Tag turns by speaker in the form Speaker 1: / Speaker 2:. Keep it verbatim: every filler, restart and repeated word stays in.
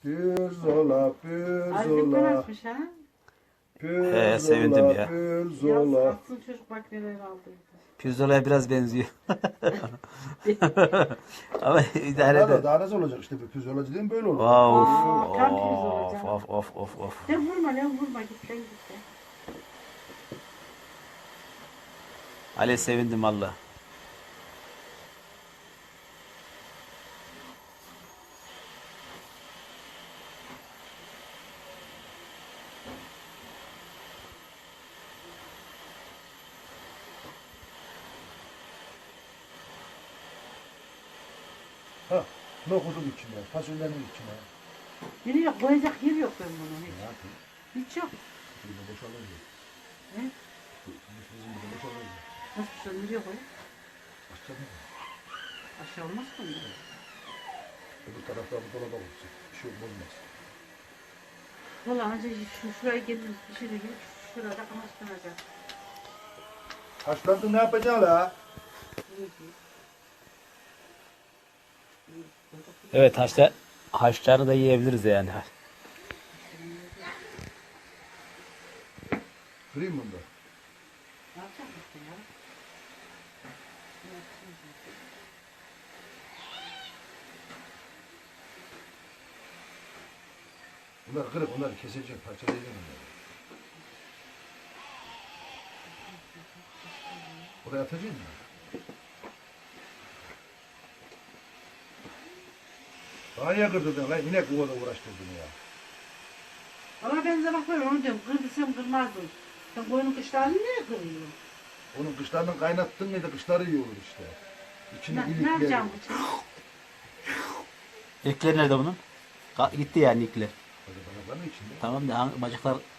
Speaker 1: Pirzola,
Speaker 2: Albüm
Speaker 1: pirzola,
Speaker 2: açmış ha.
Speaker 1: pirzola,
Speaker 3: He, sevindim ya.
Speaker 1: pirzola.
Speaker 2: Yaz atsın çocuk bak neler aldıydı.
Speaker 3: Pirzola'ya biraz benziyor. Ama idare
Speaker 1: Daha da
Speaker 3: eder.
Speaker 1: daha nasıl olacak işte bir pirzolacı değil mi böyle olur.
Speaker 3: Of,
Speaker 2: Aa, tam pirzola
Speaker 3: of,
Speaker 2: canım.
Speaker 3: of, of, of, of.
Speaker 2: Sen vurma lan vurma git lan git lan.
Speaker 3: Ali sevindim valla.
Speaker 1: Ha, nohudun içine, fasulyenin içine.
Speaker 2: Yine yok koyacak yer yok ben bunu
Speaker 1: Ne
Speaker 2: hiç.
Speaker 1: yapayım?
Speaker 2: Hiç yok.
Speaker 1: Burada boşalır ya.
Speaker 2: He?
Speaker 1: Bizim burada boşalır ya.
Speaker 2: Nasıl bir şey nereye koy?
Speaker 1: Açacak mı?
Speaker 2: Aşağı olmaz mı?
Speaker 1: Öbür tarafta bu dolaba koyacak. Bir şey olmaz.
Speaker 2: Valla önce şu şuraya geliriz bir şey de gelip şurada kamaştıracak.
Speaker 1: Haşlandın ne yapacaksın la?
Speaker 3: Evet haşlar, haşlarını da yiyebiliriz yani.
Speaker 1: Kırayım bunu da.
Speaker 2: Ne yapacak mısın ya?
Speaker 1: Bunlar kırık, onları keseceğim, parçalayacağım onları. Buraya atacağım mı? Daha niye kırdırdın lan? Yine kuvada uğraştırdın ya.
Speaker 2: Valla ben de bak böyle onu diyorum. Kırdıysam kırmazdım. Sen koyunun kışlarını niye kırıyorsun?
Speaker 1: Onun kışlarını kaynattın mıydı kışları iyi olur işte. İçini
Speaker 2: Ne, ne
Speaker 1: ilikleri.
Speaker 2: yapacağım bu için?
Speaker 3: İlkler nerede bunun? Ka- gitti yani ilkler.
Speaker 1: Bacaklarının içinde.
Speaker 3: Tamam da hangi- bacaklar